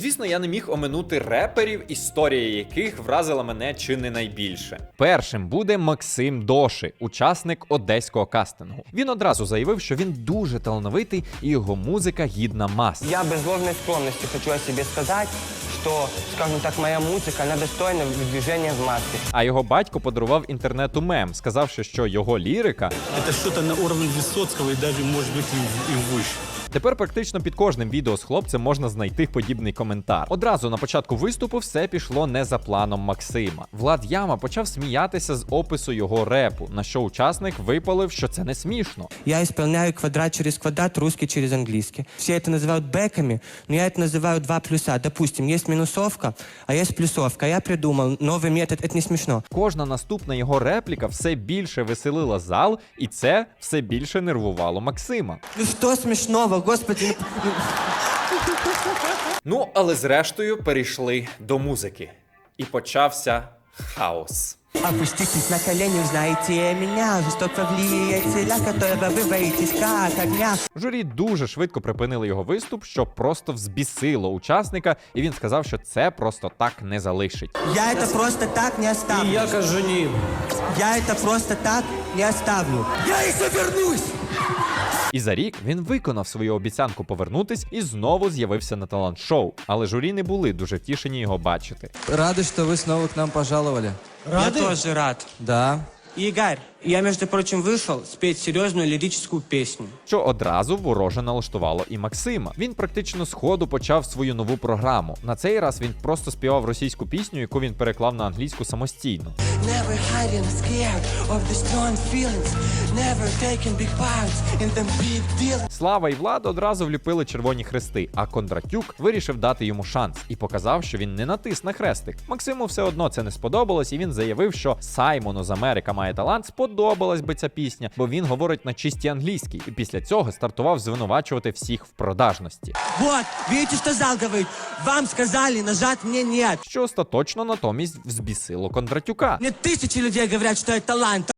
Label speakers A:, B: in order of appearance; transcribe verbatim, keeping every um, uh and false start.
A: Звісно, я не міг оминути реперів, історія яких вразила мене чи не найбільше. Першим буде Максим Доши, учасник одеського кастингу. Він одразу заявив, що він дуже талановитий і його музика гідна мас.
B: Я без ложной скромности хочу о себе сказать, что, скажем так, моя музыка, она достойна движения в массы.
A: А його батько подарував інтернету мем, сказавши, що його лірика
C: Это что-то на уровне Высоцкого и даже, может быть, и, и выше.
A: Тепер практично під кожним відео з хлопцем можна знайти подібний коментар. Одразу на початку виступу все пішло не за планом Максима. Влад Яма почав сміятися з опису його репу, на що учасник випалив, що це не смішно.
B: Я исполняю квадрат через квадрат, русский через английский. Все это называют бэками, но я это называю два плюса. Допустим, есть минусовка, а есть плюсовка. Я придумал новый метод, это не смешно.
A: Кожна наступна його репліка все більше веселила зал, і це все більше нервувало Максима.
B: Ну что смешного, господи? ну,
A: Ну, але зрештою перейшли до музики. І почався хаос.
B: Опуститесь на колени, узнаете меня. Жестоко влияете, ля, которого вы боитесь, как огня.
A: Журі дуже швидко припинили його виступ, що просто взбісило учасника, і він сказав, що це просто так не залишить.
B: Я это просто так не оставлю.
C: И я кажу ні.
B: Я это просто так не оставлю. Я еще вернусь!
A: І за рік він виконав свою обіцянку повернутись і знову з'явився на талант-шоу. Але журі не були дуже втішені його бачити.
D: Рады, что вы снова к нам пожаловали.
B: Я тоже рад.
D: Да.
B: Игорь, я, между прочим, вышел спеть серьезную лирическую песню.
A: Що одразу вороже налаштувало і Максима. Він практично з ходу почав свою нову програму. На цей раз він просто співав російську пісню, яку він переклав на англійську самостійно.
B: Never hiding, scared of the strong feelings. Never taking big parts in them big deals.
A: Слава і Влад одразу вліпили червоні хрести, а Кондратюк вирішив дати йому шанс і показав, що він не натис на хрестик. Максиму все одно це не сподобалось, і він заявив, що Саймону з Америка має талант сподобалась би ця пісня, бо він говорить на чистій англійській, і після цього стартував звинувачувати всіх в продажності.
B: Вот, видите, что зал говорит? Вам сказали, нажать мне нет.
A: Що остаточно натомість взбісило Кондратюка.
B: Мне тысячи людей говорят, что это талант.